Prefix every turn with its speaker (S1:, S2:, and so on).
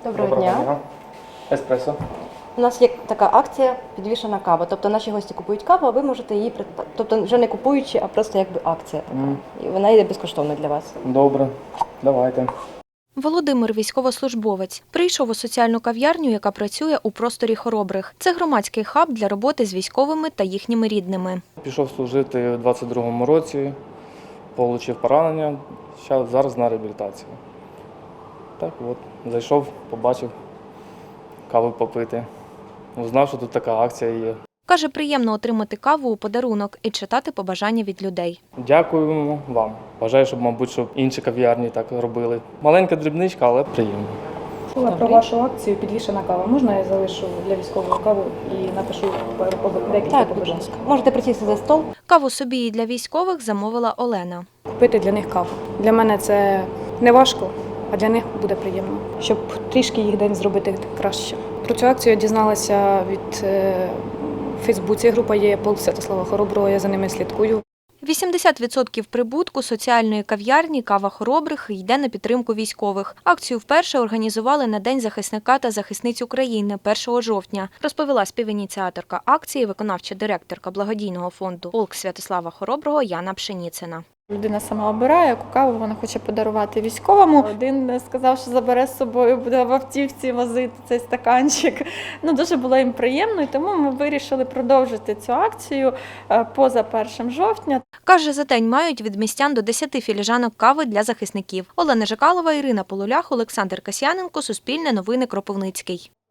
S1: Доброго дня.
S2: Еспресо.
S1: У нас є така акція «Підвішена кава». Тобто наші гості купують каву, а ви можете її придбати. Тобто вже не купуючи, а просто якби акція така. І вона йде безкоштовно для вас.
S2: Добре, давайте.
S3: Володимир – військовослужбовець. Прийшов у соціальну кав'ярню, яка працює у просторі Хоробрих. Це громадський хаб для роботи з військовими та їхніми рідними.
S2: Пішов служити у 22-му році, отримав поранення, зараз на реабілітації. Так от, зайшов, побачив, каву попити. Узнав, що тут така акція є.
S3: Каже, приємно отримати каву у подарунок і читати побажання від людей.
S2: Дякуємо вам. Бажаю, щоб інші кав'ярні так робили. Маленька дрібничка, але приємно.
S4: Чула про вашу акцію «Підвішена кава». Можна я залишу для військового каву і напишу декілька
S1: Так, будь
S4: побажань?
S1: ласка. Можете присісти за стол.
S3: Каву собі і для військових замовила Олена.
S4: Купити для них каву. Для мене це не важко, а для них буде приємно, щоб трішки їх день зробити краще. Про цю акцію я дізналася від в Фейсбуці. Група є «Полк Святослава Хороброго», я за ними слідкую.
S3: 80% прибутку соціальної кав'ярні «Кава Хоробрих» йде на підтримку військових. Акцію вперше організували на День захисника та захисниць України 1 жовтня, розповіла співініціаторка акції, виконавча директорка благодійного фонду «Полк Святослава Хороброго» Яна Пшеніцина.
S5: Людина сама обирає, яку каву вона хоче подарувати військовому. Один сказав, що забере з собою, буде в автівці возити цей стаканчик. Дуже було їм приємно, і тому ми вирішили продовжити цю акцію поза 1 жовтня.
S3: Каже, за день мають від містян до 10 філіжанок кави для захисників. Олена Жикалова, Ірина Полулях, Олександр Касьяненко, Суспільне новини, Кропивницький.